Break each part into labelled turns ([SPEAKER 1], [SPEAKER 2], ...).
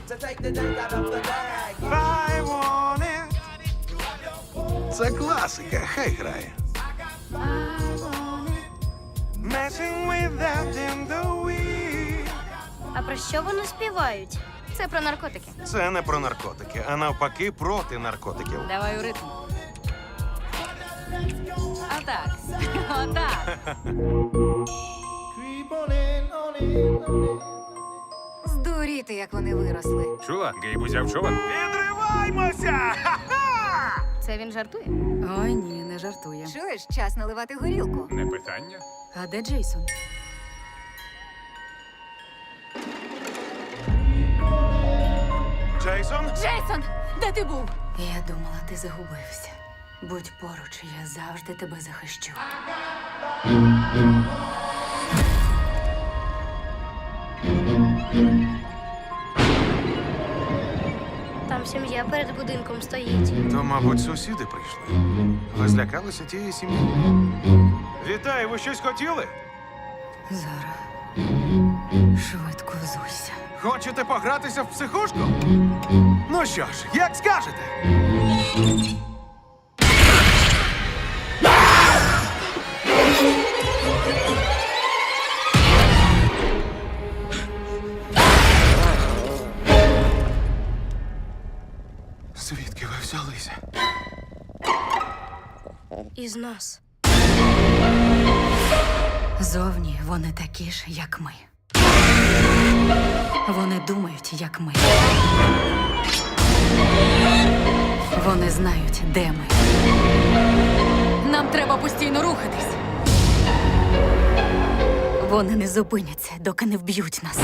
[SPEAKER 1] I want it.
[SPEAKER 2] Це класика, хай грає.
[SPEAKER 1] Messing with that in the weed.
[SPEAKER 3] А про що вони співають?
[SPEAKER 4] Це про наркотики.
[SPEAKER 2] Це не про наркотики, а навпаки проти наркотиків.
[SPEAKER 4] Давай у ритм. Отак. Отак. Здуріти, як вони виросли.
[SPEAKER 5] Чула? Гейб узяв човен.
[SPEAKER 2] Відриваймося! Ха-ха!
[SPEAKER 4] Це він жартує?
[SPEAKER 6] Ой, ні, не жартує.
[SPEAKER 4] Чуєш, час наливати горілку.
[SPEAKER 5] Не питання.
[SPEAKER 6] А де Джейсон?
[SPEAKER 2] Джейсон?
[SPEAKER 4] Джейсон, де ти був?
[SPEAKER 6] Я думала, ти загубився. Будь поруч, я завжди тебе захищу.
[SPEAKER 3] Там сім'я перед будинком стоїть.
[SPEAKER 2] То, мабуть, сусіди прийшли. Ви злякалися тієї сім'ї? Вітаю, ви щось хотіли?
[SPEAKER 6] Зара, швидко зуйся.
[SPEAKER 2] Хочете погратися в психушку? Ну що ж, як скажете? Звідки ви взялися?
[SPEAKER 3] Із нас.
[SPEAKER 6] Зовні вони такі ж, як ми. Вони думають, як ми. Вони знають, де ми. Нам треба постійно рухатись. Вони не зупиняться, доки не вб'ють нас.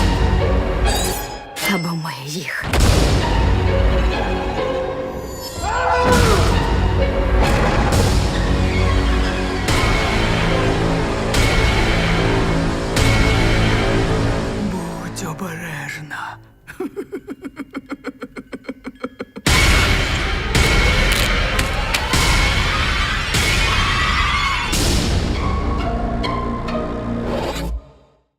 [SPEAKER 6] Або ми їх. Будь обережна.